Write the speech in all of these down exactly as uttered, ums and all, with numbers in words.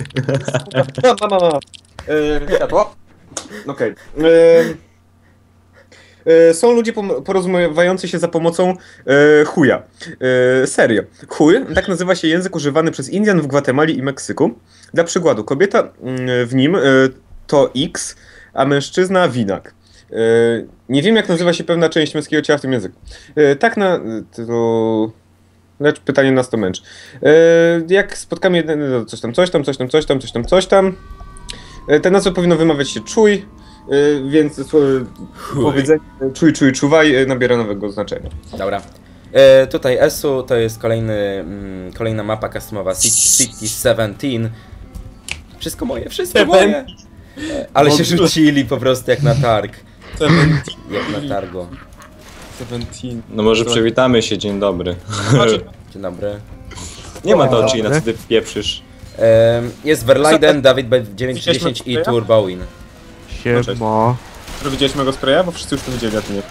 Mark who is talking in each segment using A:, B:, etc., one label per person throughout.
A: No, no, no, no. Yy, światło. Okej. Okay. Yy, yy, są ludzie porozumiewający się za pomocą yy, chuja. Yy, serio. Chuj, tak nazywa się język używany przez Indian w Gwatemali i Meksyku. Dla przykładu, kobieta yy, w nim yy, to X, a mężczyzna winak. Yy, nie wiem, jak nazywa się pewna część męskiego ciała w tym języku. Yy, tak na... To... Lecz pytanie nas to męczy. Yy, jak spotkamy jeden, coś tam, coś tam, coś tam, coś tam, coś tam, coś tam. Yy, te nazwy powinno wymawiać się czuj, yy, więc yy, powiedzenie czuj, czuj, czuwaj yy, nabiera nowego znaczenia.
B: Dobra. E, tutaj Esu to jest kolejny, mm, kolejna mapa customowa City siedemnaście. Wszystko moje, wszystko moje. E, ale się rzucili po prostu jak na targ. Jak na targo.
C: No może przywitamy się, dzień dobry.
B: Dzień dobry.
C: Nie ma Dochi, na co ty pieprzysz.
B: E, jest Verlaiden, Dawid B dziewięć dziesięć i Turbowin.
D: Siema.
A: Widziałeś mojego spraya? Bo wszyscy już to widzieli, a ty nie.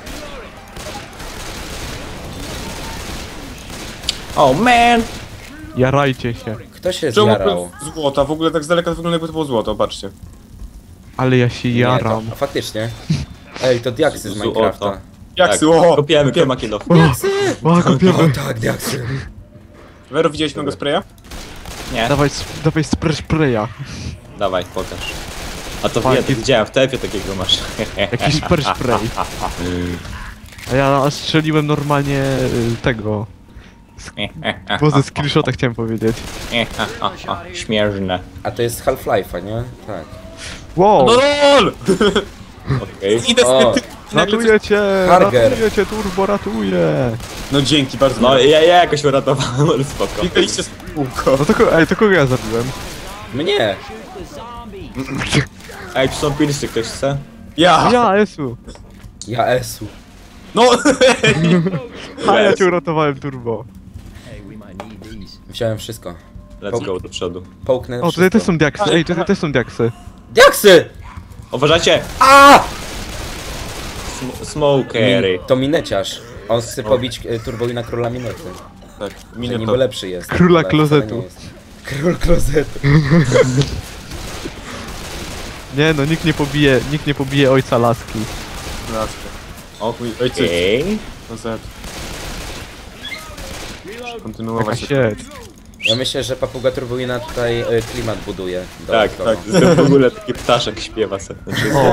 C: Oh man!
D: Jarajcie się.
B: Kto się
A: Czemu
B: zjarał?
A: złota? W ogóle tak z daleka wygląda, jakby to było złoto, patrzcie.
D: Ale ja się
B: Nie,
D: jaram.
B: to, a faktycznie. Ej, to diaksy z
C: Złoto.
B: Minecrafta.
A: Jak
C: Tak,
A: o!
C: kopiemy Kremakilow.
D: O, kopiemy.
B: O tak, diaksy.
A: Wero, widziałeś mojego spraya?
C: Nie,
D: Dawaj, sp- dawaj spray spraya.
C: dawaj, pokaż. A to
D: Tak,
C: wie, to
D: jest-
C: widziałem, w tefie takiego masz.
D: Jakiś spray spray. A ja strzeliłem normalnie y, tego. Bo ze screenshota chciałem powiedzieć.
C: Śmierzne.
B: A to jest Half-Life'a, nie? Tak.
D: Wow!
A: No lol!
C: Okej.
A: Idę
B: O,
A: z
D: Ratuję cię!
B: Harger.
D: Ratuję cię, turbo, ratuję!
A: No dzięki bardzo.
C: No ja, ja jakoś uratowałem, ale spoko.
A: Klikaliście z kółko.
D: No to, ko- ej, to kogo ja zabiłem?
B: mnie!
C: Ej, tu są pilsy, ktoś chce?
A: Ja!
D: Ja, Esu!
B: Ja Esu.
A: No!
D: A ja cię uratowałem, turbo.
B: Wziąłem wszystko.
C: Let's go do przodu.
B: Połknę
D: O, tutaj
B: wszystko.
D: też są diaksy, ej, tutaj też są diaksy.
B: Diaksy!
C: Uważajcie!
B: A!
C: Sm smokery.
B: Min to mineciarz. On chce pobić e, Turbowina króla minety.
A: Tak,
B: Że
A: minę
B: niby
A: to.
B: lepszy jest.
D: Króla
B: ale wcale
D: klozetu.
B: nie jest. Król klozetu.
D: Nie no, nikt nie pobije, nikt nie pobije ojca laski.
A: Ojciec.
C: Okej.
A: No Z. Kontynuować
D: Taka
A: się.
D: shit.
B: Ja myślę, że papuga Turbowina tutaj e, klimat buduje.
C: Tak,
B: dodatkowo.
C: tak. W ogóle taki ptaszek śpiewa se. Znaczy,
D: O.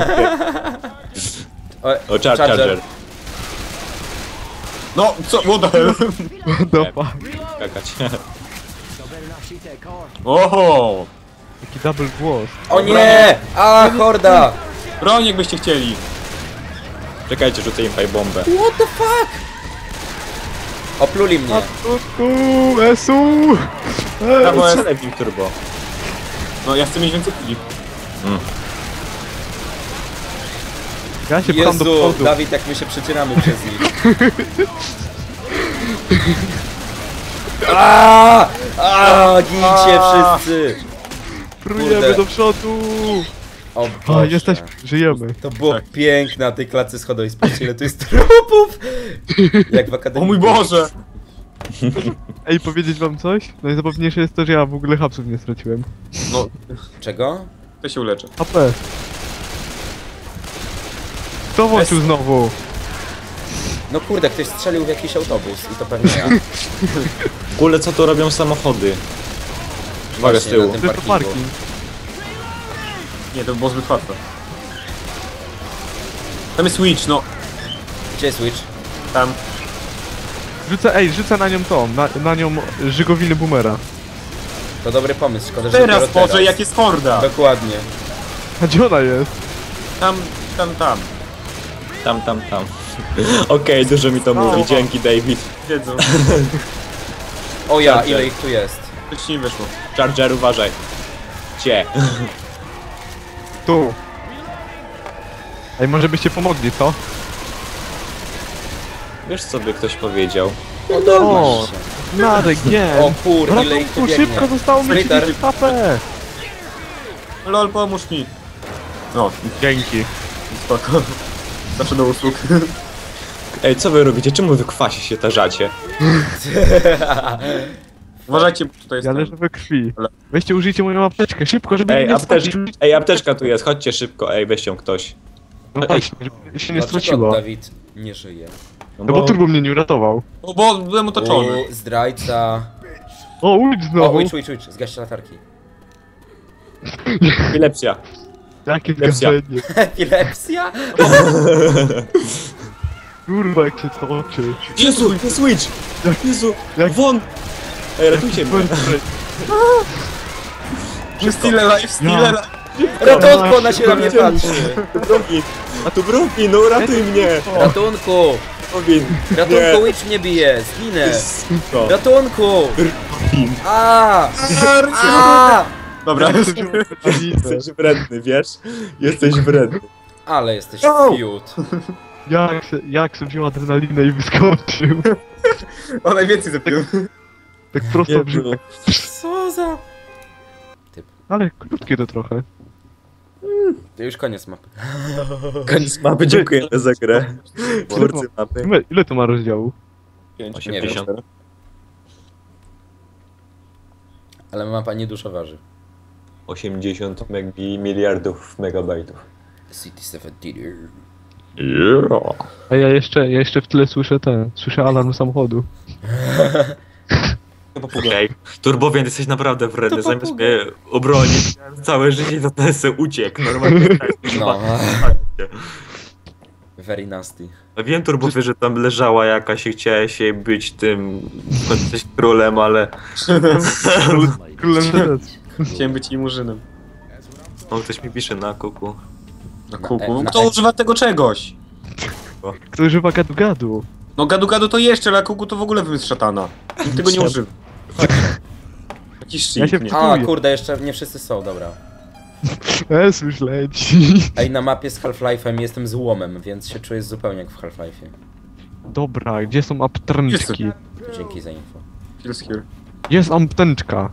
B: O,
C: O, char charger.
A: No, co? What the hell?
D: Dopa.
C: Skakać.
A: Oho!
D: Taki double głos.
B: O nie! A, horda!
A: Broń jakbyście chcieli.
C: Czekajcie, rzucę im bombę.
B: What the fuck? Opluli mnie.
D: Tutku, Esu!
A: Brawo, jest.
C: Strzelaj w nim turbo.
A: No ja chcę mieć więcej kili.
D: Ja się pcham do
B: Jezu,
D: przodu.
B: Dawid, jak my się przecieramy przez nich. Aaaa! Aaaa! Gincie wszyscy!
D: Prujemy
B: Kurde.
D: do przodu!
B: O
D: A,
B: Boże.
D: jesteś, żyjemy.
B: To było
A: Tak.
B: piękne na tej klatce schodowej. Spójrzcie, ile tu jest trupów! Jak w
A: O
B: akademii.
A: mój Boże!
D: Ej, powiedzieć wam coś? Najzabawniejsze jest to, że ja w ogóle hapsów nie straciłem.
A: No,
B: Czego?
A: to się uleczę.
D: H P. Kto włączył znowu?
B: No kurde, ktoś strzelił w jakiś autobus i to pewnie ja.
C: W ogóle co tu robią samochody? Uwaga z
B: Właśnie,
C: tyłu.
B: na tym
D: To
B: parkingu.
D: parking.
A: Nie, to by było zbyt łatwe. Tam jest Switch, no.
B: Gdzie jest Switch?
A: Tam.
D: Rzucę, ej, rzucę na nią tą, na, na nią żygowiny boomera.
B: To dobry pomysł, szkoda, że
A: Teraz,
B: dopiero
A: Boże, jak jest horda!
B: Dokładnie.
D: A gdzie ona jest?
A: Tam, tam, tam.
C: Tam, tam, tam. Okej, dużo mi to mówi, dzięki David.
A: Wiedzą.
B: O ja,
C: Charger.
B: ile ich tu jest?
A: Coś nie wyszło.
C: Charger, uważaj. Cie.
D: Tu. Ej, może byście pomogli, co?
C: Wiesz co by ktoś powiedział?
D: O, Narek, nie.
B: O kur, ile ich tu
D: Ratunku,
B: biegnie.
D: szybko, zostało mi
B: Splitter.
D: trzydzieści H P.
A: Lol, pomóż mi. No,
D: Dzięki.
A: spoko. Zawsze do usług.
C: Ej, co wy robicie? Czemu wy kwasi się tarzacie?
A: Uważajcie, bo tutaj jest
D: Ja
A: ten.
D: leżę we krwi.
A: Ale-
D: Weźcie, użyjcie moją apteczkę, szybko, żeby
C: Ej,
D: mnie nie
C: apteczka,
D: stracić.
C: ej, apteczka tu jest, chodźcie szybko, ej, weź ją ktoś.
D: No właśnie, żeby się nie
B: Dlaczego
D: straciło.
B: Dawid nie żyje?
C: No
D: No bo turbo mnie nie uratował.
A: O, bo byłem otoczony.
B: U, zdrajca.
D: O, ujdź
B: O,
D: znowu!
B: łycz, łycz, łycz, zgaście latarki.
C: Epilepsja.
D: Jakie
C: Lepsja.
D: zgaszenie.
B: Epilepsja?
D: Kurwa, jak się to oczy.
C: Jezu, ten switch! Jezu,
D: Jak-
C: won! Ej, ratujcie mnie.
A: Stile life, stile
D: Ja.
A: life.
B: Ratunku, ona się na mnie patrzy.
C: Browin, a tu Browin, no ratuj mnie!
B: Ratunku!
C: Browin,
B: Ratunku, łycz mnie bije, zginę.
C: no.
B: Ratunku! A! A!
A: Dobra,
C: Jesteś wredny, wiesz? Jesteś wredny.
B: Ale jesteś
A: No.
B: fiut.
D: Jak se, jak se wziął adrenalinę i wyskoczył.
A: o najwięcej zapił.
D: Tak prosto w brzuch.
B: Co za...
D: Ale krótkie to trochę.
B: To już koniec mapy.
C: Koniec mapy, dziękujemy za grę. Twórcy mapy.
D: Ile, ile to ma rozdziału?
C: osiemdziesiąt.
B: Ale mapa nie dużo waży.
C: osiemdziesiąt megbi miliardów megabajtów.
B: City siedemnaście.
D: A ja jeszcze, ja jeszcze w tyle słyszę ten, słyszę alarm samochodu.
C: Okej, Turbowian, jesteś naprawdę wredny,
B: To
C: zamiast
B: papuga.
C: mnie obronić całe życie, to ten se uciekł, normalnie.
B: No. Very nasty.
C: Ja wiem, Turbowie, że tam leżała jakaś i chciałeś jej być tym, jesteś królem, ale...
D: Królem też.
A: Chciałem być jej murzynem.
C: O, ktoś mi pisze na kuku.
A: Na
B: e,
A: kuku.
B: na
A: Kto
B: e-
A: używa tego czegoś?
D: Kto używa gadu-gadu?
A: No gadu gadu to jeszcze, ale kuku to w ogóle wymysł szatana. Nikt tego nie używa. Jakiś
D: Ja się
A: shit, nie?
B: A,
D: Dziękuję.
B: kurde, jeszcze nie wszyscy są, dobra.
D: Es już leci.
B: Ej, na mapie z Half-Life'em jestem złomem, więc się czuję zupełnie jak w Half-Life'ie.
D: Dobra, gdzie są apteczki?
B: Dzięki za info.
A: Kills here.
D: Jest apteczka.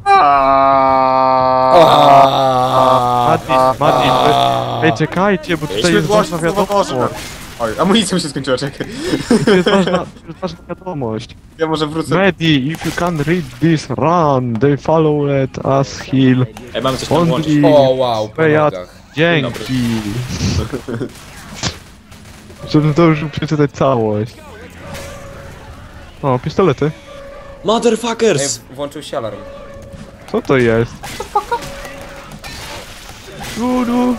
D: Mati, Mati, ej czekajcie, bo tutaj jest ważna wiadomość.
A: Oj, amunicja mi się skończyła, czekaj.
D: To jest ważna, to jest ważna wiadomość.
A: Ja może wrócę.
D: Medi, if you can read this, run. They follow let us heal.
C: Ej, mamy coś tam włączyć.
D: Only
B: O, wow, po
D: Bejat.
B: nogach.
D: Dzięki. Żebym zdążył przeczytać całość. O, pistolety.
B: Ej,
C: Motherfuckers!
B: włączył się alarm.
D: Co to jest? Dudu.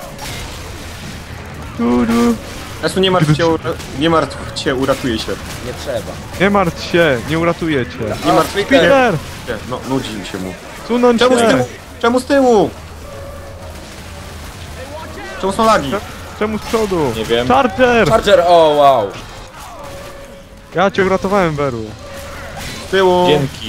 D: Dudu.
A: Esu, nie martw się, ura- nie martw się, uratuje się.
B: Nie trzeba.
D: Nie martw się, nie uratujecie.
A: Nie
B: O,
A: martw się.
B: Peter!
D: Peter!
A: No, nudzi mi się mu.
D: Sunąć
A: Czemu z
D: się!
A: tyłu? Czemu z tyłu? Czemu są lagi?
D: Czemu z przodu?
C: Nie wiem.
D: Charger!
B: Charger, o, wow.
D: Ja cię uratowałem, Beru.
A: Z tyłu.
C: Dzięki.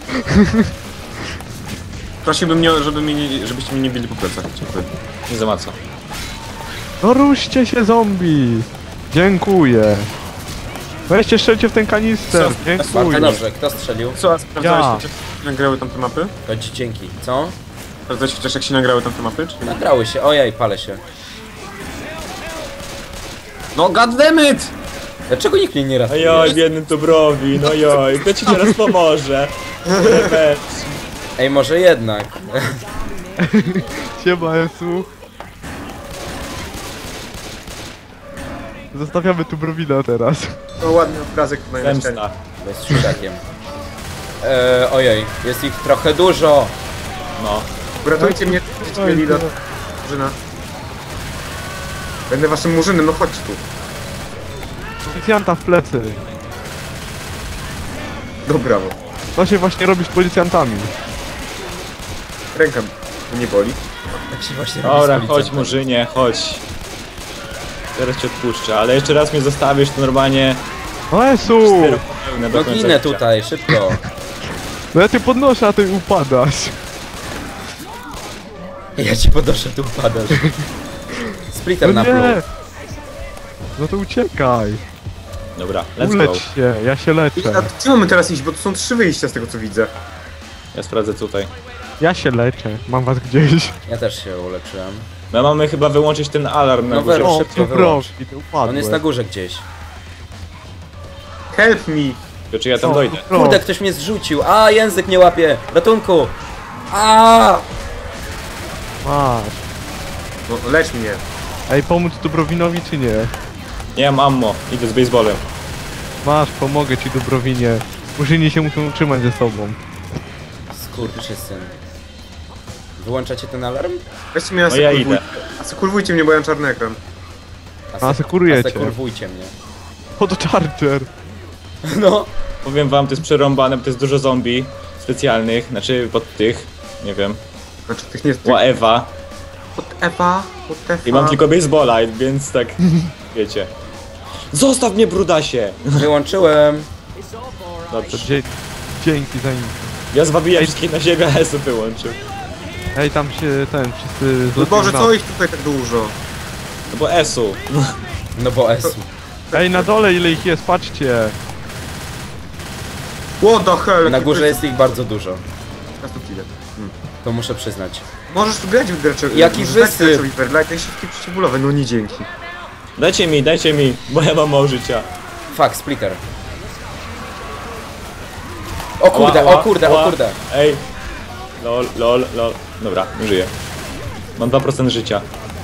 A: Prosiłbym, mnie, żeby mnie nie, żebyście mnie nie bili po plecach. Dziękuję.
C: Nie za co.
D: No ruszcie się, zombie! Dziękuję. Weźcie, strzelcie w ten kanister.
A: Co?
B: Bardzo
D: Dziękuję.
B: dobrze, kto strzelił?
A: Co, a sprawdzałeś
D: Ja.
A: chociaż, jak się nagrały tamte mapy?
B: Chodź, dzięki. Co?
A: Sprawdzałeś chociaż jak się nagrały tamte mapy? Czy nie?
B: Nagrały się, ojej, palę się.
A: No goddammit!
B: Dlaczego nikt mnie nie ratuje?
C: Ojoj, biedny Turbowi, no joj, kto ci teraz pomoże? Revenge.
B: Ej, może jednak.
D: Siema, Esu. Zostawiamy tu Browina teraz.
A: To ładny obrazek na ścianie.
C: Zemsta.
B: Bez trzydakiem. Eee, ojej, jest ich trochę dużo.
C: No.
A: Uratujcie mnie, żebyście mieli do murzyna. Będę waszym murzynem, no chodź tu.
D: Policjanta w plecy.
A: No brawo.
D: To się właśnie robi z policjantami.
A: Ręka mnie boli.
B: Tak się właśnie robi
C: Dobra,
B: z
C: chodź
B: policjantem.
C: Murzynie, chodź. Teraz cię odpuszczę, ale jeszcze raz mnie zostawisz, to normalnie...
D: O Esu!
C: cztery popełnę do
B: No
C: końca
B: ginę
C: życia.
B: tutaj, szybko.
D: No ja cię podnoszę, a ty upadasz.
B: Ja ci podnoszę, tu upadasz. Splitter
D: No
B: na
D: nie!
B: pluł.
D: No to uciekaj.
C: Dobra, let's go.
D: Ulecz się, ja się
A: I,
D: leczę.
A: a gdzie mamy teraz iść? Bo tu są trzy wyjścia z tego co widzę.
C: Ja sprawdzę tutaj.
D: Ja się leczę, mam was gdzieś.
B: Ja też się uleczyłem.
C: My mamy chyba wyłączyć ten alarm na
B: No
C: górze.
B: Wero,
D: O,
B: szybko
D: tu
B: wyłącz.
D: proszę, ty upadłeś.
B: On jest na górze gdzieś.
A: Help me!
C: Tylko czy ja tam
D: O,
C: dojdę?
D: o.
B: Kurde, ktoś mnie zrzucił. A, język nie łapie. Ratunku. A.
D: Masz.
A: No, lecz mnie.
D: Ej, pomóc Dubrowinowi czy nie?
C: Nie mam ammo, idę z baseballem.
D: Masz, pomogę ci Dubrowinie. Murzyni się muszą utrzymać ze sobą.
B: Skurczysyn. Wyłączacie ten alarm?
A: Weźcie mnie,
C: No ja
A: asekurwujcie.
C: idę.
A: Asekurwujcie mnie, bo ja mam czarny ekran.
D: Asekurujecie.
B: Asekurwujcie mnie.
D: O, to Charger.
B: No.
C: Powiem wam, to jest przerąbane, bo to jest dużo zombie specjalnych, znaczy pod tych, nie wiem,
A: Znaczy tych nie...
C: ła Ewa.
A: Pod Ewa, pod Ewa.
C: I mam tylko baseballa, więc tak, wiecie. Zostaw mnie, brudasie!
B: Wyłączyłem.
C: Dobrze.
D: Dzie dzięki za info.
C: Ja zwabiłem wszystkich na siebie, a Esu wyłączył.
D: Ej, tam się ten, wszyscy
A: No Boże,
D: zlatują
A: co
D: na...
A: ich tutaj tak dużo?
C: No bo Esu.
B: No bo S.
D: Ej, na dole ile ich jest, patrzcie.
A: What the hell?
B: Na
A: jaki
B: górze
A: to
B: jest ich bardzo dużo.
A: Ja tu chwilę.
B: To muszę przyznać.
A: Możesz tu grać w gracza...
B: Jaki
A: możesz dać
B: wysyp?
A: graczowi Verlight, jak środki przeciwbólowe, no nie dzięki.
C: Dajcie mi, dajcie mi, bo ja mam mało życia.
B: Fuck, splitter. O kurde,
C: Ła, ła,
B: o kurde,
C: ła.
B: o kurde.
C: Ej. Lol, lol, lol. Dobra, nie żyję. Mam dwa procent życia.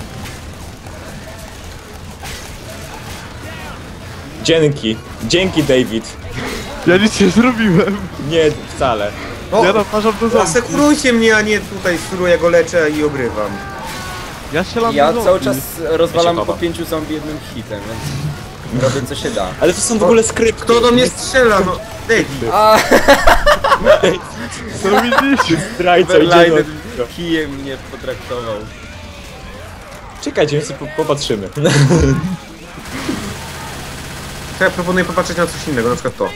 C: Dzięki. Dzięki, David.
D: Ja nic nie zrobiłem.
C: Nie, wcale.
A: O,
D: Ja naparzam do zombie.
A: asekurujcie mnie, a nie tutaj suruję, ja go leczę i obrywam.
D: Ja strzelam
B: Ja
D: do
B: cały
D: zombie.
B: czas rozwalam
C: Ja się
B: po
C: chowam.
B: pięciu zombie jednym hitem, więc robię co się da.
C: Ale to są w ogóle skrypty.
A: Kto do mnie strzela, no? David.
B: A,
D: No widzisz?
C: Zdrajca idzie
B: Verlighted
C: do...
B: kijem mnie potraktował.
C: Czekajcie, my sobie po- popatrzymy.
A: To ja proponuję popatrzeć na coś innego, na przykład to.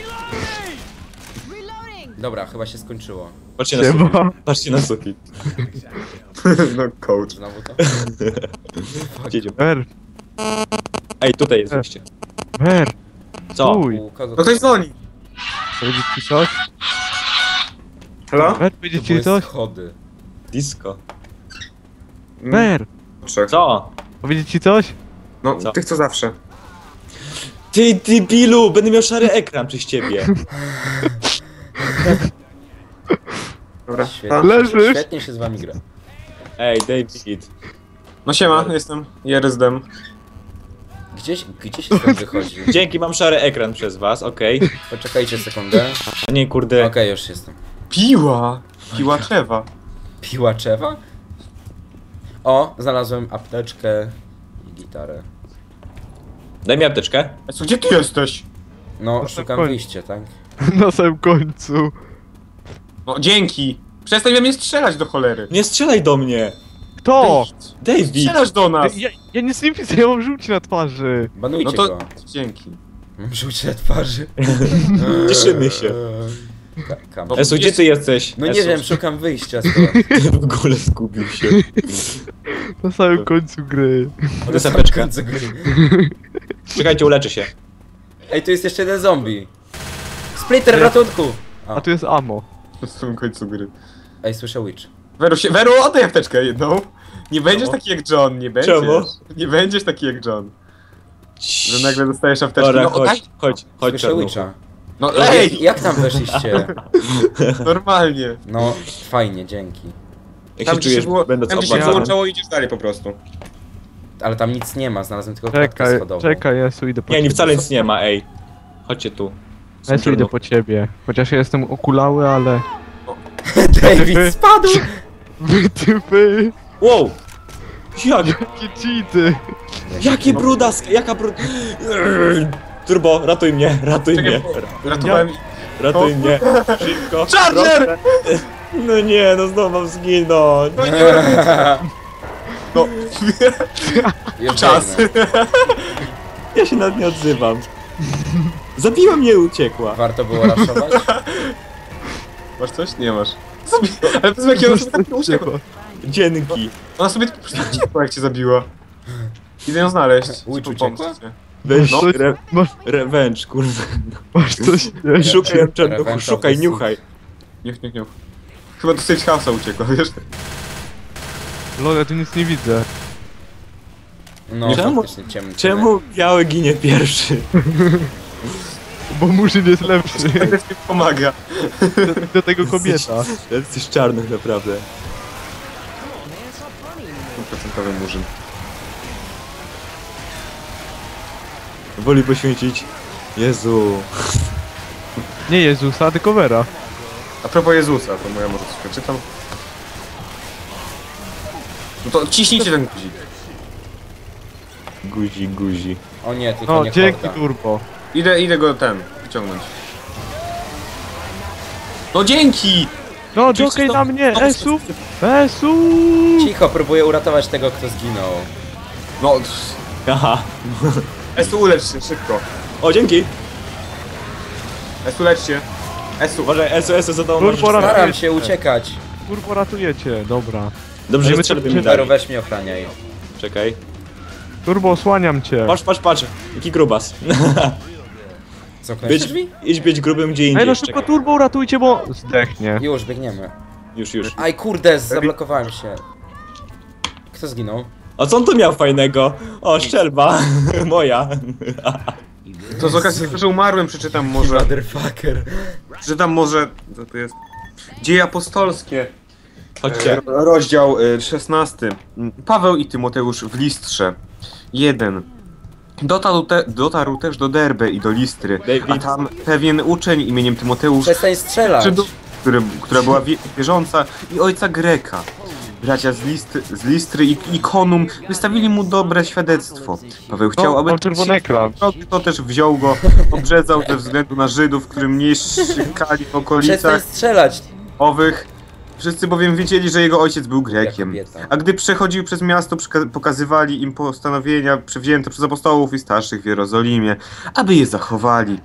B: Dobra, chyba się skończyło.
C: Patrzcie na sufit.
D: Siema.
C: Patrzcie na sufit.
A: No coach.
B: Znowu to?
C: Gdzie
D: Mer,
C: Ej, tutaj jest wyjście.
D: mer,
C: Co?
D: uj.
B: U kogo
A: No ktoś dzwoni.
D: Powiedzieć ci coś?
A: Halo?
D: Mer,
B: to
D: powiedzieć
B: były
D: ci coś?
B: schody.
C: Disco.
D: Mer,
A: Trzech.
C: Co?
D: powiedzieć ci coś?
A: No,
C: Co?
A: tych co zawsze.
C: Ty, ty Bilu, będę miał szary ekran przez ciebie.
A: Dobra.
B: Świetnie,
A: Pa.
D: Leżysz?
B: świetnie się z wami gra.
C: Ej, David.
A: No siema, jestem Jeryzdem.
B: Gdzieś, gdzie się stąd wychodzi?
C: Dzięki, mam szary ekran przez was, okej.
B: Poczekajcie sekundę.
C: A nie, kurde.
B: Okej, już jestem.
A: Piła! Piła trzewa.
B: Piłaczewa? O, znalazłem apteczkę i gitarę.
C: Daj mi apteczkę.
A: Esu, gdzie ty jesteś?
B: No,
D: Proszę
B: szukam
D: koń-
B: wyjścia, tak?
D: Na samym końcu.
A: No dzięki! Przestań we mnie strzelać do cholery.
C: Nie strzelaj do mnie.
D: Kto?
C: David.
A: Strzelasz do nas!
D: Ja, ja nic nie widzę, ja mam żółci na twarzy.
B: Banujcie
A: No to
B: go.
A: dzięki.
B: Mam żółcie na twarzy.
C: Cieszymy się.
B: Ka- kam.
A: Bo-
C: Esu, gdzie ty jesteś?
B: No nie
C: Esu,
B: wiem, szukam wyjścia stąd.
C: Ty w ogóle zgubił się.
D: Na samym końcu gry.
C: To jest apteczka.
B: Końcu gry.
C: Czekajcie, uleczę się.
B: Ej, tu jest jeszcze jeden zombie. Splitter,
D: Ja-
B: ratunku!
D: A tu jest ammo.
A: Na samym końcu gry.
B: Ej, słyszę witch.
A: Weru, się, Weru, oddaj apteczkę jedną. Nie będziesz
C: Czemu?
A: taki jak John, nie będziesz.
C: Czemu?
A: Nie będziesz taki jak John. Że nagle dostajesz apteczkę.
C: Dobra,
A: No oddaj.
C: chodź, chodź, chodź,
B: Słyszę
C: czarnuchu.
B: witcha.
A: No
B: Ej,
A: ej!
B: jak tam weszliście?
A: Normalnie.
B: No, fajnie, dzięki.
C: Jak
A: Tam
C: się
A: gdzie się,
C: czujesz,
A: było,
C: będąc
A: tam, gdzie się
C: obmacanym?
A: wyłączało, idziesz dalej po prostu.
B: Ale tam nic nie ma, znalazłem tylko klatkę
D: Czekaj,
B: schodową.
D: czekaj, Jesu, idę po
C: Nie,
D: ciebie.
C: nie, wcale nic nie ma, ej. Chodźcie tu. Są
D: Jesu, idę
C: czarnuchy.
D: po ciebie. Chociaż ja jestem okulały, ale...
B: David spadł!
D: Wy, ty, wy!
C: Wow! Jak?
D: Jakie cheaty!
C: Jakie brudask, jaka brud... Turbo, ratuj mnie, ratuj
A: Czekaj,
C: mnie.
A: bo ratowałem...
C: Ratuj
A: O.
C: mnie. Szybko.
A: Charger!
C: proszę. No nie, no znowu mam zginąć.
A: No nie No,
B: Już
A: czas.
B: biegnę.
C: Ja się nawet nie odzywam. Zabiła mnie i uciekła.
B: Warto było raszować?
A: Masz coś? Nie masz. Sobie... Ale powiedz jak ona sobie tak uciekła.
C: Dzięki.
A: Ona sobie po prostu uciekła jak cię zabiła. Idę ją znaleźć.
B: Witch
A: Pomóc
B: uciekła?
A: ci.
C: Weź
A: No.
C: re
D: Masz,
C: revenge, kurde.
D: masz coś? Nie.
C: Szukaj ją, czarnuchu,
B: Revenge of
C: szukaj,
B: the
C: niuchaj.
A: Niech, niech, niech. Chyba do Safe House'a uciekła, wiesz?
D: Lol, ja tu nic nie widzę.
B: No,
C: Czemu?
B: faktycznie ciemny.
C: Czemu biały ginie pierwszy?
D: Bo Murzyn jest lepszy.
A: Ten mi pomaga.
D: Do, do tego kobieta.
C: Jesteś czarnych naprawdę.
A: Stuprocentowy murzyn.
C: Woli poświęcić. Jezu.
D: Nie Jezusa, tylko Vera.
A: A propos Jezusa, to moja może coś przeczytam. No to ciśnijcie ten guzik.
C: Guzi, guzi.
B: O nie, tylko
D: No,
B: nie
D: dzięki
B: horda.
D: Turbo.
A: Idę, idę go ten, wyciągnąć. No dzięki!
D: No,
A: Czyś
D: Jokej
A: to-
D: na mnie,
A: to-
D: Esu! Esu!
B: Cicho, próbuję uratować tego, kto zginął.
A: No,
C: Aha.
A: Esu ulecz się, szybko.
C: O, dzięki.
A: Esu lecz się. Esu,
C: Uważaj, S O S za tobą
D: Turbo
C: możesz-
D: raz-
B: Staram się uciekać.
D: Turbo ratujecie, dobra.
C: Dobrze, że
D: Będziemy
C: strzelby
D: cię-
C: mi
B: Vero,
C: dali.
B: weź mnie ochraniaj.
C: Czekaj.
D: Turbo, osłaniam cię.
C: Patrz, patrz, patrz. Jaki grubas.
B: Zamknąłeś
C: Być,
B: drzwi?
C: idź być grubym gdzie indziej.
D: Ej, no szybko
C: Czekaj.
D: Turbo ratujcie, bo zdechnie.
B: Już, biegniemy.
C: Już, już.
B: Aj kurde, zablokowałem się. Kto zginął?
C: A co on tu miał fajnego? O, szczelba. Moja.
A: to z okazji tego, że umarłem, przeczytam może.
B: Motherfucker.
A: Przeczytam może. Co to jest? Dzieje apostolskie.
C: Chodźcie.
A: E, Rozdział e, szesnasty. Paweł i Tymoteusz w Listrze. jeden. Dotarł, te, dotarł też do Derbe i do Listry,
C: David.
A: a tam pewien uczeń imieniem Tymoteusz,
B: Przestań strzelać.
A: Żydów, który, która była wie, wierząca, i ojca Greka. Bracia z, List, z Listry i Ikonum wystawili mu dobre świadectwo. Paweł chciał,
D: No,
A: aby
D: mam czerwony ekran.
A: to też wziął go, obrzezał ze względu na Żydów, którym nie szykali w
B: Przestań
A: okolicach
B: strzelać.
A: owych. Wszyscy bowiem wiedzieli, że jego ojciec był Grekiem.
B: Jak kobieta.
A: A gdy przechodził przez miasto, przyka- pokazywali im postanowienia przewzięte przez apostołów i starszych w Jerozolimie, aby je zachowali.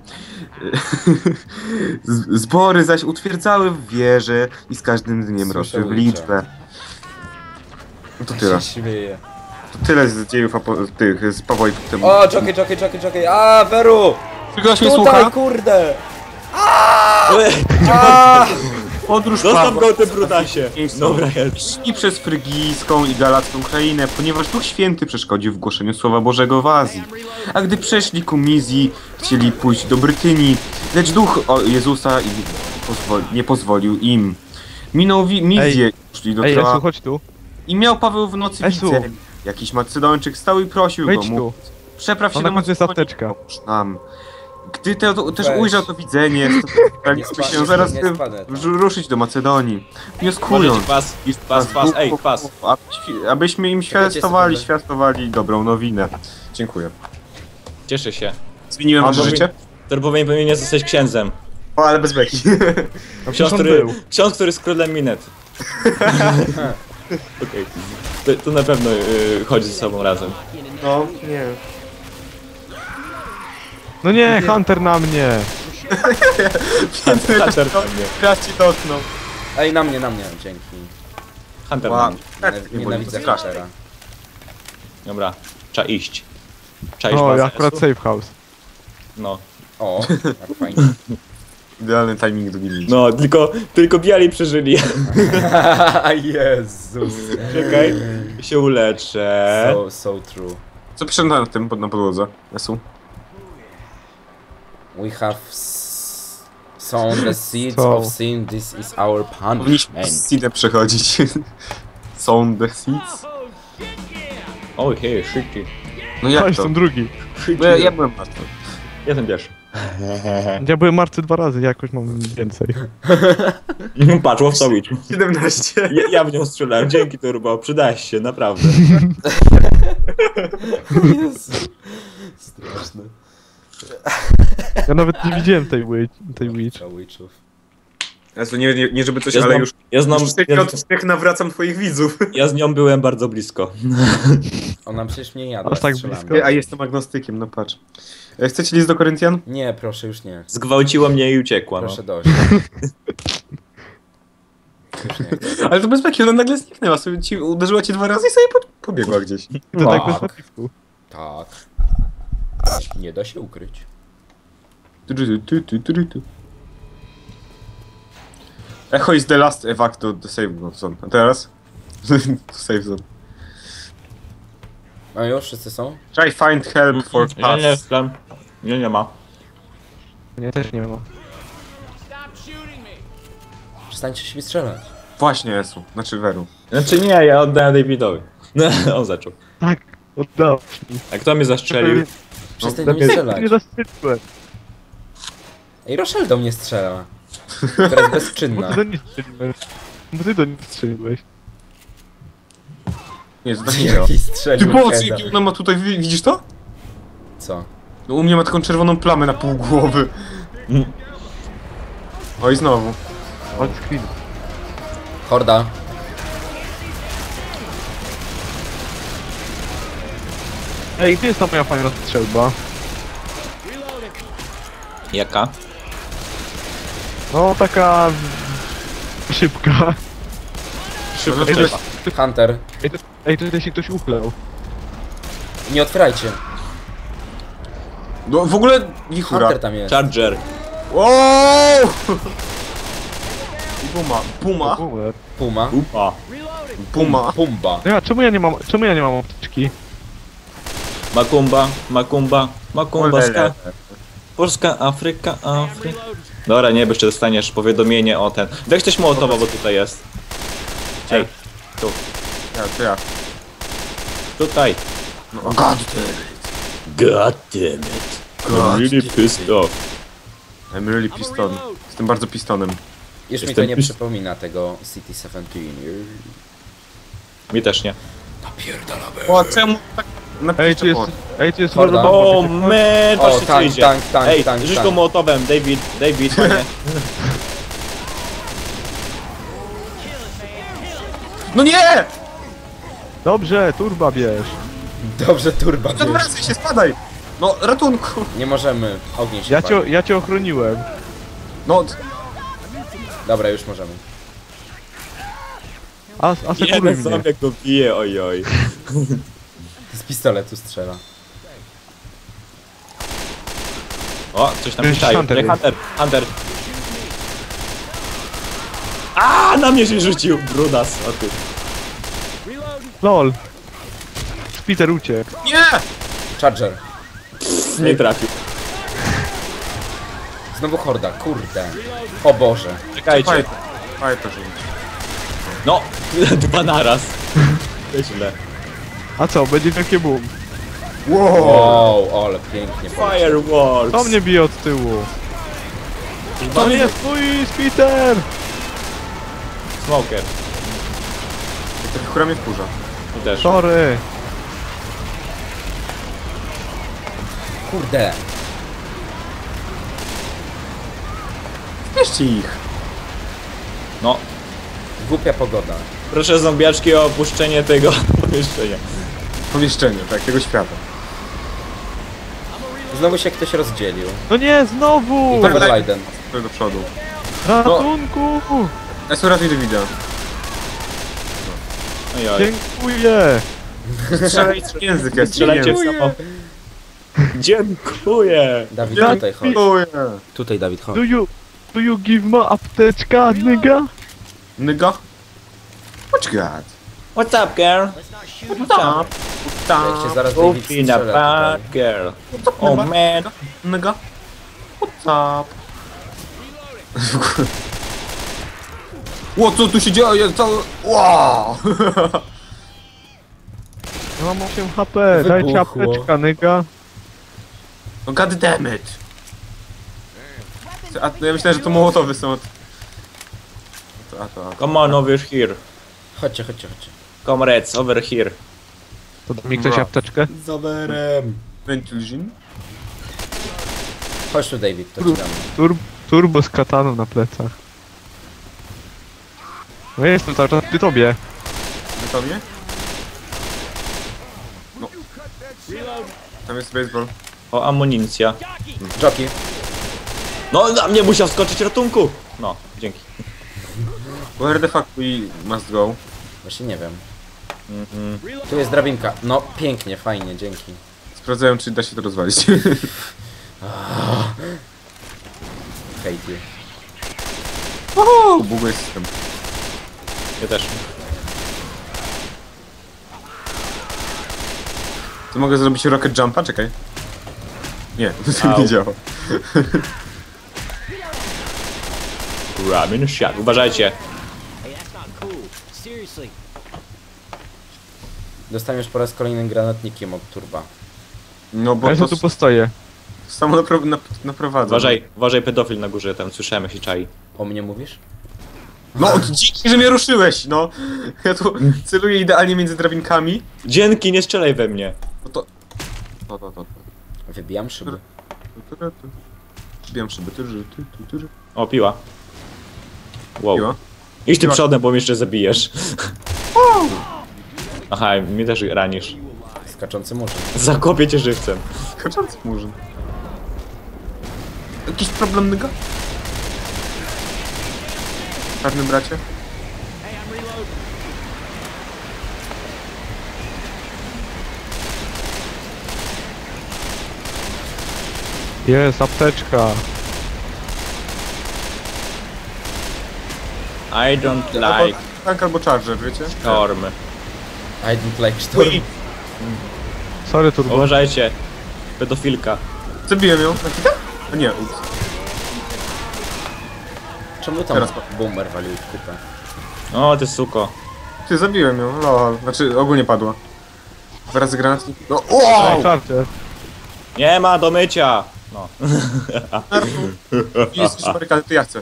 A: Z- Zbory zaś utwierdzały w wierze i z każdym dniem
B: Słyszę
A: rosły w
B: ujcze.
A: liczbę. No to
B: Ja
A: tyle.
B: się śmieję.
A: To tyle z dziejów apo- tych, z Pawła i Tymoteuszem.
B: O, jockey, jockey, jockey, jockey. A, Veru!
A: Ktoś mnie
B: Tutaj,
A: słucha?
B: kurde!
C: Ale-
B: A!
A: Podróż
C: Zostaw
A: Pawła.
C: go, ty brutasie. Dobra, jest.
A: Szli przez frygijską i galacką krainę, ponieważ Duch Święty przeszkodził w głoszeniu Słowa Bożego w Azji. A gdy przeszli ku Mizji, chcieli pójść do Brytynii, lecz Duch o Jezusa i pozwoli, nie pozwolił im. Minął wi- Mizję, szli do
D: Ej,
A: Troa
D: Esu, chodź tu.
A: i miał Paweł w nocy
D: Esu.
A: widzenie. Jakiś Macedończyk stał i prosił go,
D: Wejdź tu.
A: mówiąc, przepraw się
D: O,
A: do
D: na końcu jest
A: Macedonii,
D: apteczka.
A: pomóż nam. Gdy te, to, też
B: Weź.
A: ujrzał to widzenie, staraliśmy
B: spadnę,
A: się zaraz
B: nie
A: by
B: spadnę tam.
A: ruszyć do Macedonii,
C: Możecie
A: wnioskując,
C: pas, pas, pas, ej, pas.
A: aby świ- abyśmy im świadstowali,
B: sekundę.
A: świadstowali dobrą nowinę. Dziękuję.
C: Cieszę się.
A: Zmieniłem wasze
C: Albo mi-
A: życie?
C: Turbowej powinien zostać księdzem.
A: O, ale bez beki.
D: No,
C: Ksiądz,
D: przecież on
C: który,
D: był.
C: ksiądz, który z królem Minet. Okej. To, to na pewno y, chodzi ze sobą razem.
A: No, nie.
D: No nie, Hunter na mnie.
C: Hunter na mnie.
A: Raz ci dotknął.
B: Ej, na mnie, na mnie, dzięki.
C: Hunter na
A: Wow.
C: mnie.
B: Nienaw- Nienawidzę Huntera.
C: Dobra, trzeba iść. Trzeba iść
D: O,
C: bazę
D: akurat
C: S U.
D: safe house.
C: No.
B: O, jak fajnie.
A: Idealny timing do gili.
C: No, tylko, tylko biali przeżyli.
B: Jezus.
C: Czekaj, się uleczę.
B: So, so true.
A: Co pisze na tym, pod- na podłodze? Esu?
B: We have s- sown the seeds
D: Co?
B: of sin, this is our
A: Powinniśmy
B: punishment.
A: z seedem przechodzić. Są the seeds?
C: O, hej, szybciej.
A: No
D: To
A: jak to?
D: jestem drugi.
A: No ja, ja byłem martwy.
C: Jestem pierwszy.
D: Ja byłem martwy dwa razy, jakoś mam więcej.
C: Patrz, łowcowicz.
A: siedemnaście.
C: Ja, ja w nią strzelałem, dzięki Turbo, przydałeś się, naprawdę.
B: Jezu. Straszne.
D: Ja nawet nie widziałem tej, wi- tej witch.
B: Witchów.
A: Esu, nie, nie, nie żeby coś,
C: Ja
A: ale
C: znam,
A: już...
C: ja znam,
A: Już z tych
C: ja,
A: odcinek nawracam twoich widzów.
C: ja z nią byłem bardzo blisko.
B: Ona przecież mnie jadła
D: Aż tak
B: strzałami.
D: blisko?
A: A jestem agnostykiem, no patrz. E, Chcecie list do Koryntian?
B: Nie, proszę, już nie.
C: Zgwałciła mnie i uciekła, no.
B: Proszę dość. Już nie.
A: Ale to bez beki, ona nagle zniknęła, sobie ci, uderzyła ci dwa razy i sobie po, pobiegła gdzieś.
D: I to tak bez
B: Tak.
D: napisku.
B: Tak. Nie da się ukryć.
A: Tu, tu, tu, tu, tu, tu. Echo is the last evac to the save zone. A teraz? To save zone.
B: No już, wszyscy są?
A: Try find help for
C: Nie, nie,
A: pass.
C: plan. Nie, nie ma.
D: Nie, też nie ma.
B: Przestańcie się mi strzelać.
A: Właśnie, Esu. Znaczy Weru.
C: Znaczy nie, ja oddałem Davidowi. No, on zaczął.
D: Tak, oddał mi.
C: A kto mnie zastrzelił?
B: Przestań
C: No,
B: do mnie
C: lepiej-
B: strzelać.
D: Nie zastrzeliłem.
B: Ej, Rochelle do mnie strzela. Która jest
D: Bo
B: bezczynna.
D: ty do niej strzeliłeś. Bo ty do niej strzeliłeś.
A: Nie, to tak nie działa.
B: Jaki
A: Ty
B: strzelił
A: po co,
B: heada.
A: jaki ona ma tutaj, wi- widzisz to?
B: Co?
A: No, u mnie ma taką czerwoną plamę na pół głowy.
C: Mm.
A: Oj, znowu.
D: On screen.
B: Horda.
D: Ej, gdzie jest ta moja fajna strzelba?
C: Jaka?
D: No, taka... szybka.
C: Szybko
A: No, to
C: trzeba.
A: jest-
B: Hunter.
D: Ej, to, ej, tutaj się ktoś uchlał.
B: Nie otwierajcie.
A: No, w ogóle wichura.
B: Hunter tam jest.
C: Charger.
A: Wow! I Puma. Puma.
D: Umer.
B: Puma.
C: Upa.
A: Puma.
B: Pumba.
D: Ja, czemu ja nie mam, czemu ja nie mam apteczki?
C: Makumba, Makumba, Makumba,
A: Olele.
C: ska. Polska, Afryka, Afryka. Dobra, nie, bo jeszcze dostaniesz powiadomienie o ten. Weź coś Mołotowa, bo tutaj jest. Ej, tu,
A: Ja, to ja.
C: tutaj.
A: No, god damn
C: God damn it.
A: God
C: I'm really pissed off.
A: I'm really piston. Jestem bardzo pistonem.
B: Już mi
C: Jestem
B: to nie
C: pis-
B: przypomina tego City siedemnaście.
C: Mi też nie.
B: Napierdalamy.
A: O, czemu tak
D: Ej, tu jest, ej, tu jest
B: Horda.
D: horda.
C: O, man,
B: O,
C: patrzcie co
B: tank,
C: idzie.
B: tank, tank,
C: Ej,
B: tank,
C: rzuć
B: tank.
C: go Mołotowem, David, David, panie.
A: No nie!
D: Dobrze, turba bierz.
B: Dobrze, turba. bierz.
A: Odwracaj się, spadaj! No, ratunku!
B: Nie możemy. Ogień się
D: Ja
B: pali.
D: cię, ja cię ochroniłem.
A: No,
B: Dobra, już możemy.
D: A, a sekuruj
C: Jeden
D: mnie.
C: sobie go bije, ojoj.
B: Z pistoletu strzela.
C: O, coś tam
D: Jest
C: piszczają.
D: Hunter.
C: Nie, Hunter, Hunter. A, na mnie się rzucił, brudas. O ty.
D: Lol. Spiter uciekł.
A: nie!
B: Charger.
C: Nie trafił.
B: Znowu horda, kurde. O Boże.
C: Czekajcie.
A: Fajnie, fajnie to rzuć.
C: No, dwa naraz. To źle.
D: A co, będzie wielkie boom.
A: Wow!
B: Wow, ale pięknie. poleciał.
C: Fireworks.
D: To mnie bije od tyłu.
C: To
D: To jest mój Spiter!
C: Smoker.
A: Ta wichura mnie wkurza.
C: I też.
D: Sorry.
B: Kurde.
A: Bierzcie ich.
C: No,
B: Głupia pogoda.
C: proszę zombiaczki o opuszczenie tego pomieszczenia.
A: Pomieszczenie, tak, tego świata.
B: Znowu się ktoś rozdzielił.
D: No nie, znowu!
B: Overliden.
A: To do przodu.
D: Ratunku!
A: Ja sobie ratuj Davida.
C: Ojoj.
D: Dziękuję!
A: Strzelaj w język, ja
C: Strzelajcie w
A: strzelaj.
C: samo. Dziękuję.
B: Dawid,
A: Ja
B: tutaj chodź.
A: dziękuję.
B: Tutaj, Dawid, chodź.
D: Do you, do you give me apteczka, nigga?
A: Nigga? What you got?
C: What's up, girl?
A: What's up?
B: Jak się zaraz David
C: Go in a
B: strzela
C: bad
B: tutaj.
C: girl. Oh man.
A: Nigga? What's up? Ło, co tu się dzieje? Cały... Wow!
D: Ja mam osiem H P, dajcie
B: Wybuchło.
D: apteczka, nigga.
A: No god damn it! A, ja myślałem, że to mołotowy są od... A to, a to.
C: Come on over here.
B: Chodźcie, chodźcie, chodźcie.
C: Comrades, over here.
D: To da mi ktoś
A: Bra.
D: apteczkę?
B: Zaberem.
A: Ventilation?
B: Chodź tu, David, to ci damy.
D: Tur turbo z kataną na plecach. No ja jestem cały czas przy tobie.
A: Gotowie? No. Tam jest baseball.
C: O, amunicja.
B: Jockey.
C: No, na mnie musiał skoczyć ratunku. No, dzięki.
A: Where the fuck we must go?
B: Właśnie nie wiem.
C: Mhm.
B: Tu jest drabinka. No, pięknie, fajnie, dzięki.
A: Sprawdzają, czy da się to rozwalić.
B: Hate you.
A: Uuu, buguje system.
C: Ja też.
A: To mogę zrobić rocket jumpa? Czekaj. Nie, to
C: Au.
A: nie działa.
C: Ramen Shack. Uważajcie.
B: Dostaniesz po raz kolejny granatnikiem od turba.
A: No bo
D: Ja
A: to
D: tu postoję.
A: samo napro nap naprowadza.
C: Uważaj, uważaj pedofil na górze, tam słyszałem jak się czai.
B: O mnie mówisz?
A: No, dzięki, że mnie ruszyłeś, no. Ja tu celuję idealnie między drabinkami.
C: Dzięki, nie strzelaj we mnie.
A: No to... To, to, to, to.
B: Wybijam szyby.
A: Zbijam szyby. Ty, ty, ty, ty.
C: O, piła. Wow.
A: Piła.
C: Idź ty
A: Piła.
C: przodem, bo mnie jeszcze zabijesz. Aha, mnie też ranisz.
B: Skaczący murzyn.
C: Zakopię cię żywcem.
A: Kaczący murzyn. Jakiś problem, nyga? Czarny bracie?
D: Jest, apteczka.
C: I don't
A: Albo
C: like
A: tank albo charger, wiecie?
C: storm.
B: I don't like storm.
A: Ui,
D: Sorry, turbo.
C: Uważajcie. Pedofilka.
A: zabiłem ją. Na hita? A nie, ups.
B: Czemu tam
A: Teraz-
B: boomer walił w kupę?
C: O, ty suko.
A: Ty, zabiłem ją, lol. Znaczy, ogólnie padła. Dwa razy granatnik. No,
D: Wow.
A: wow!
D: Charger.
C: Nie ma do mycia. No.
A: Jest już barykady, to ja chcę.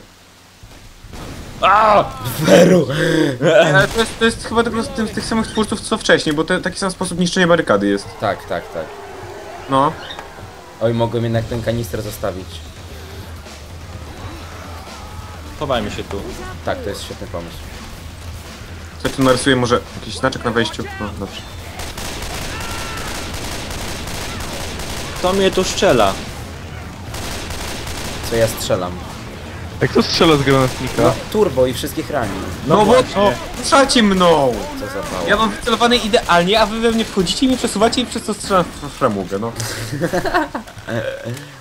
C: A!
B: Veru!
A: Ale to jest, to jest chyba tylko z, tym, z tych samych twórców co wcześniej, bo to taki sam sposób niszczenia barykady jest.
B: Tak, tak, tak.
A: No.
B: Oj, mogłem jednak ten kanister zostawić.
C: Chowajmy się tu.
B: Tak, to jest świetny pomysł.
A: Co tu narysuję? Może jakiś znaczek na wejściu? No, dobrze.
C: Kto mnie tu strzela?
B: Co ja strzelam?
D: Jak to strzela z granatnika?
B: No, turbo i wszystkich rani.
A: No, bo
C: właśnie.
A: no, ruszacie mną!
B: Co za mało.
A: Ja mam wycelowany idealnie, a wy we mnie wchodzicie i mnie przesuwacie i przez to strzelam w framugę, no.